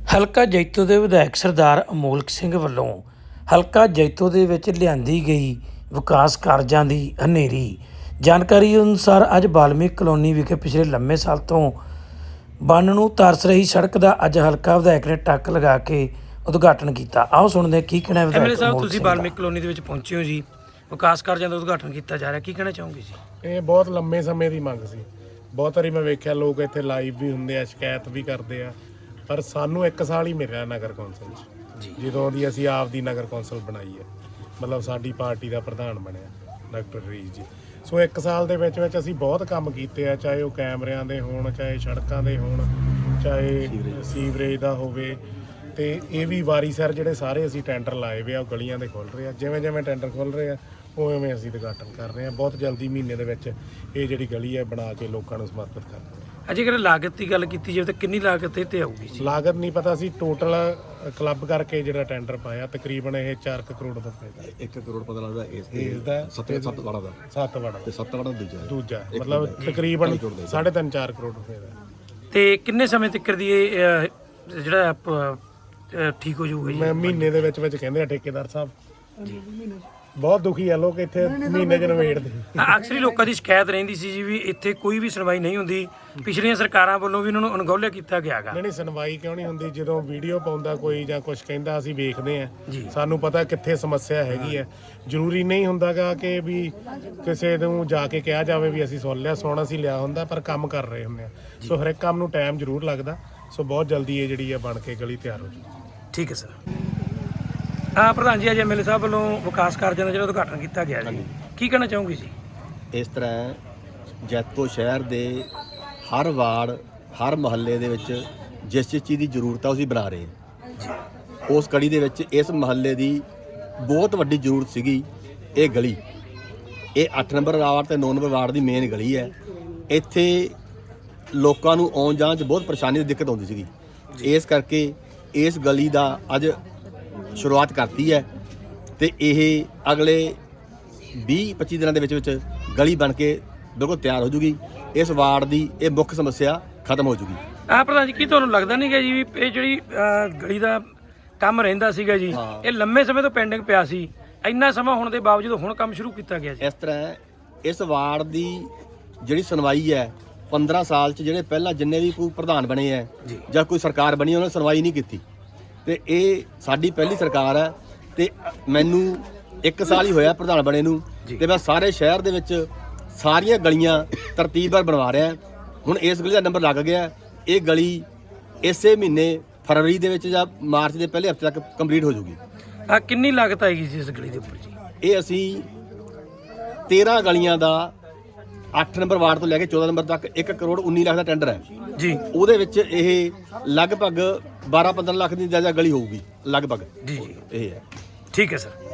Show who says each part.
Speaker 1: ਹਲਕਾ ਜੈਤੋ ਦੇ ਵਿਧਾਇਕ ਸਰਦਾਰ ਅਮੋਲਕ ਸਿੰਘ ਵੱਲੋਂ ਹਲਕਾ ਜੈਤੋ ਦੇ ਵਿੱਚ ਲਿਆਂਦੀ ਗਈ ਵਿਕਾਸ ਕਾਰਜਾਂ ਦੀ ਹਨੇਰੀ। ਜਾਣਕਾਰੀ ਅਨੁਸਾਰ ਅੱਜ ਵਾਲਮੀਕ ਕਲੋਨੀ ਵਿਖੇ ਪਿਛਲੇ ਲੰਮੇ ਸਾਲ ਤੋਂ ਬੰਨ ਨੂੰ ਤਰਸ ਰਹੀ ਸੜਕ ਦਾ ਅੱਜ ਹਲਕਾ ਵਿਧਾਇਕ ਨੇ ਟੱਕ ਲਗਾ ਕੇ ਉਦਘਾਟਨ ਕੀਤਾ। ਆਓ ਸੁਣਦੇ ਹਾਂ ਕੀ ਕਹਿਣਾ ਵਿਧਾਇਕ
Speaker 2: ਸਾਹਿਬ।
Speaker 1: ਅਮੋਲਕ
Speaker 2: ਤੁਸੀਂ
Speaker 1: ਸਿੰਘ ਦਾ।
Speaker 2: ਵਾਲਮੀਕ ਕਲੋਨੀ ਦੇ ਵਿੱਚ ਪਹੁੰਚੇ ਹੋ ਜੀ, ਵਿਕਾਸ ਕਾਰਜਾਂ ਦਾ ਉਦਘਾਟਨ ਕੀਤਾ ਜਾ ਰਿਹਾ, ਕੀ ਕਹਿਣਾ ਚਾਹੋਗੇ ਜੀ?
Speaker 3: ਇਹ ਬਹੁਤ ਲੰਮੇ ਸਮੇਂ ਦੀ ਮੰਗ ਸੀ। ਬਹੁਤ ਵਾਰੀ ਮੈਂ ਵੇਖਿਆ ਲੋਕ ਇੱਥੇ ਲਾਈਵ ਵੀ ਹੁੰਦੇ ਆ, ਸ਼ਿਕਾਇਤ ਵੀ ਕਰਦੇ ਆ, ਪਰ ਸਾਨੂੰ 1 ਸਾਲ ਹੀ ਮਿਲਿਆ ਨਗਰ ਕੌਂਸਲ 'ਚ ਜਦੋਂ ਦੀ ਅਸੀਂ ਆਪ ਦੀ ਨਗਰ ਕੌਂਸਲ ਬਣਾਈ ਹੈ, ਮਤਲਬ ਸਾਡੀ ਪਾਰਟੀ ਦਾ ਪ੍ਰਧਾਨ ਬਣਿਆ ਡਾਕਟਰ ਰੀਜ ਜੀ। ਸੋ 1 ਸਾਲ ਦੇ ਵਿੱਚ ਅਸੀਂ ਬਹੁਤ ਕੰਮ ਕੀਤੇ ਆ, ਚਾਹੇ ਉਹ ਕੈਮਰਿਆਂ ਦੇ ਹੋਣ, ਚਾਹੇ ਸੜਕਾਂ ਦੇ ਹੋਣ, ਚਾਹੇ ਸੀਵਰੇਜ ਦਾ ਹੋਵੇ। ਤੇ ਇਹ ਵੀ ਵਾਰੀ ਸਰ ਜਿਹੜੇ ਸਾਰੇ ਅਸੀਂ ਟੈਂਡਰ ਲਾਏ ਵੇ ਆ, ਉਹ ਗਲੀਆਂ ਦੇ ਖੁੱਲ ਰਹੇ ਆ। ਜਿਵੇਂ ਜਿਵੇਂ ਟੈਂਡਰ ਖੁੱਲ ਰਹੇ ਆ ਉਵੇਂ ਅਸੀਂ ਉਦਘਾਟਨ ਕਰ ਰਹੇ ਹਾਂ। ਬਹੁਤ ਜਲਦੀ ਮਹੀਨੇ ਦੇ ਵਿੱਚ ਇਹ ਜਿਹੜੀ ਗਲੀ ਹੈ ਬਣਾ ਕੇ ਲੋਕਾਂ ਨੂੰ ਸਮਰਪਿਤ ਕਰ ਦਾਂਗੇ।
Speaker 2: ਜੇਕਰ ਲਾਗਤ ਦੀ ਗੱਲ ਕੀਤੀ ਜਾਵੇ ਤਾਂ ਕਿੰਨੀ ਲਾਗਤ ਇਹ ਤੇ ਆਊਗੀ ਜੀ?
Speaker 3: ਲਾਗਤ ਨਹੀਂ ਪਤਾ ਸੀ, ਟੋਟਲ ਕਲੱਬ ਕਰਕੇ ਜਿਹੜਾ ਟੈਂਡਰ ਪਾਇਆ ਤਕਰੀਬਨ ਇਹ 4 ਕਰੋੜ ਦਾ ਪੈਦਾ।
Speaker 4: 1 ਕਰੋੜ ਪਤਾ ਲੱਗਦਾ
Speaker 3: ਇਸ ਦਾ
Speaker 4: 7 ਵੜਾ ਦਾ
Speaker 3: 7 ਵੜਾ
Speaker 4: ਤੇ 7 ਵੜਾ
Speaker 3: ਦੂਜਾ ਮਤਲਬ ਤਕਰੀਬਨ 3.5-4 ਕਰੋੜ ਰੁਪਏ ਦਾ।
Speaker 2: ਤੇ ਕਿੰਨੇ ਸਮੇਂ ਤੱਕ ਦੀ ਇਹ ਜਿਹੜਾ ਠੀਕ ਹੋ ਜਾਊਗਾ ਜੀ?
Speaker 3: ਮਹੀਨੇ ਦੇ ਵਿੱਚ ਕਹਿੰਦੇ ਆ ਠੇਕੇਦਾਰ ਸਾਹਿਬ ਜੀ। ਬਹੁਤ ਦੁਖੀ ਆ ਲੋਕ ਇੱਥੇ ਮਹੀਨੇ ਚ ਨਵੇੜਦੇ।
Speaker 2: ਅਕਸਰ ਹੀ ਲੋਕਾਂ ਦੀ ਸ਼ਿਕਾਇਤ ਰਹਿੰਦੀ ਸੀ ਜੀ ਵੀ ਇੱਥੇ ਕੋਈ ਵੀ ਸੁਣਵਾਈ ਨਹੀਂ ਹੁੰਦੀ, ਪਿਛਲੀਆਂ ਸਰਕਾਰਾਂ ਵੱਲੋਂ ਵੀ ਇਹਨਾਂ ਨੂੰ ਅਣਗੌਲਿਆ ਕੀਤਾ ਗਿਆ ਗਾ।
Speaker 3: ਨਹੀਂ ਸੁਣਵਾਈ ਕਿਉਂ ਨਹੀਂ ਹੁੰਦੀ? ਜਦੋਂ ਵੀਡੀਓ ਪਾਉਂਦਾ ਕੋਈ ਜਾਂ ਕੁਝ ਕਹਿੰਦਾ ਅਸੀਂ ਵੇਖਦੇ ਆ, ਸਾਨੂੰ ਪਤਾ ਕਿੱਥੇ ਸਮੱਸਿਆ ਹੈਗੀ ਹੈ। ਜ਼ਰੂਰੀ ਨਹੀਂ ਹੁੰਦਾਗਾ ਕਿ ਵੀ ਕਿਸੇ ਨੂੰ ਜਾ ਕੇ ਕਿਹਾ ਜਾਵੇ ਵੀ ਅਸੀਂ ਸੁਣ ਲਿਆ, ਸੁਣ ਅਸੀਂ ਲਿਆ ਹੁੰਦਾ, ਪਰ ਕੰਮ ਕਰ ਰਹੇ ਹੁੰਦੇ ਆ। ਸੋ ਹਰ ਇੱਕ ਕੰਮ ਨੂੰ ਟਾਈਮ ਜ਼ਰੂਰ ਲੱਗਦਾ। ਸੋ ਬਹੁਤ ਜਲਦੀ ਇਹ ਜਿਹੜੀ ਆ ਬਣ ਕੇ ਗਲੀ ਤਿਆਰ ਹੋ ਜੂ।
Speaker 2: ਠੀਕ ਹੈ ਸਰ। ਪ੍ਰਧਾਨ ਜੀ, ਅੱਜ ਐਮਐਲਏ ਸਾਹਿਬ ਵੱਲੋਂ ਵਿਕਾਸ ਕਾਰਜਾਂ ਦਾ ਜਿਹੜਾ ਉਦਘਾਟਨ ਕੀਤਾ ਗਿਆ ਜੀ, ਕੀ ਕਹਿਣਾ ਚਾਹੋਗੇ ਜੀ?
Speaker 4: ਇਸ ਤਰ੍ਹਾਂ ਜੈਤੋ ਸ਼ਹਿਰ ਦੇ ਹਰ ਵਾਰਡ, ਹਰ ਮੁਹੱਲੇ ਦੇ ਵਿੱਚ ਜਿਸ ਚੀਜ਼ ਦੀ ਜ਼ਰੂਰਤ ਆ ਅਸੀਂ ਬਣਾ ਰਹੇ ਹਾਂ। ਉਸ ਕੜੀ ਦੇ ਵਿੱਚ ਇਸ ਮੁਹੱਲੇ ਦੀ ਬਹੁਤ ਵੱਡੀ ਜ਼ਰੂਰਤ ਸੀਗੀ। ਇਹ ਗਲੀ, ਇਹ 8 ਨੰਬਰ ਵਾਰਡ ਤੇ 9 ਨੰਬਰ ਵਾਰਡ ਦੀ ਮੇਨ ਗਲੀ ਹੈ। ਇੱਥੇ ਲੋਕਾਂ ਨੂੰ ਆਉਣ ਜਾਣ 'ਚ ਬਹੁਤ ਪਰੇਸ਼ਾਨੀ ਦੀ ਦਿੱਕਤ ਆਉਂਦੀ ਸੀਗੀ। ਇਸ ਕਰਕੇ ਇਸ ਗਲੀ ਦਾ ਅੱਜ ਸ਼ੁਰੂਆਤ ਕਰਤੀ ਹੈ ਤੇ ਇਹ ਅਗਲੇ 20-25 ਦਿਨਾਂ ਦੇ ਵਿੱਚ ਗਲੀ ਬਣ ਕੇ ਬਿਲਕੁਲ ਤਿਆਰ ਹੋ ਜੂਗੀ। ਇਸ ਵਾਰਡ ਦੀ ਇਹ ਮੁੱਖ ਸਮੱਸਿਆ ਖਤਮ ਹੋ ਜੂਗੀ।
Speaker 2: ਪ੍ਰਧਾਨ ਜੀ, ਕੀ ਤੁਹਾਨੂੰ ਲੱਗਦਾ ਨਹੀਂ ਗਾ ਜੀ ਵੀ ਇਹ ਜਿਹੜੀ ਗਲੀ ਦਾ ਕੰਮ ਰਹਿੰਦਾ ਸੀਗਾ ਜੀ, ਇਹ ਲੰਮੇ ਸਮੇਂ ਤੋਂ ਪੈਂਡਿੰਗ ਪਿਆ ਸੀ, ਇੰਨਾ ਸਮਾਂ ਹੋਣ ਦੇ ਬਾਵਜੂਦ ਹੁਣ ਕੰਮ ਸ਼ੁਰੂ ਕੀਤਾ ਗਿਆ ਜੀ?
Speaker 4: ਇਸ ਤਰ੍ਹਾਂ ਇਸ ਵਾਰਡ ਦੀ ਜਿਹੜੀ ਸੁਣਵਾਈ ਹੈ 15 ਸਾਲ 'ਚ ਜਿਹੜੇ ਪਹਿਲਾਂ ਜਿੰਨੇ ਵੀ ਕੋਈ ਪ੍ਰਧਾਨ ਬਣੇ ਹੈ ਜਾਂ ਕੋਈ ਸਰਕਾਰ ਬਣੀ ਉਹਨਾਂ ਨੇ ਸੁਣਵਾਈ ਨਹੀਂ ਕੀਤੀ। ਤੇ ਇਹ ਸਾਡੀ ਪਹਿਲੀ ਸਰਕਾਰ ਹੈ ਤੇ ਮੈਨੂੰ 1 ਸਾਲ ਹੀ ਹੋਇਆ ਪ੍ਰਧਾਨ ਬਣੇ ਨੂੰ, ਤੇ ਮੈਂ ਸਾਰੇ ਸ਼ਹਿਰ ਦੇ ਵਿੱਚ ਸਾਰੀਆਂ ਗਲੀਆਂ ਤਰਤੀਬਵਾਰ ਬਣਵਾ ਰਿਹਾ। ਹੁਣ ਇਸ ਗਲੀ ਦਾ ਨੰਬਰ ਲੱਗ ਗਿਆ। ਇਹ ਗਲੀ ਇਸੇ ਮਹੀਨੇ ਫਰਵਰੀ ਦੇ ਵਿੱਚ ਜਾਂ ਮਾਰਚ ਦੇ ਪਹਿਲੇ ਹਫ਼ਤੇ ਤੱਕ ਕੰਪਲੀਟ ਹੋ ਜੂਗੀ।
Speaker 2: ਕਿੰਨੀ ਲਾਗਤ ਆਏਗੀ ਜੀ ਇਸ ਗਲੀ ਦੇ ਉੱਪਰ ਜੀ?
Speaker 4: ਇਹ ਅਸੀਂ 13 ਗਲੀਆਂ ਦਾ 8 ਨੰਬਰ ਵਾਰਡ ਤੋਂ ਲੈ ਕੇ 14 ਨੰਬਰ ਤੱਕ 1 ਕਰੋੜ 19 ਲੱਖ ਦਾ ਟੈਂਡਰ ਹੈ
Speaker 2: ਜੀ।
Speaker 4: ਉਹਦੇ ਵਿੱਚ ਇਹ ਲਗਭਗ 12-15 ਲੱਖ ਦੀ ਜਾਇਜ਼ਾ ਗਲੀ ਹੋਊਗੀ ਲਗਭਗ।
Speaker 2: ਜੀ
Speaker 4: ਇਹ ਹੈ।
Speaker 2: ਠੀਕ ਹੈ ਸਰ।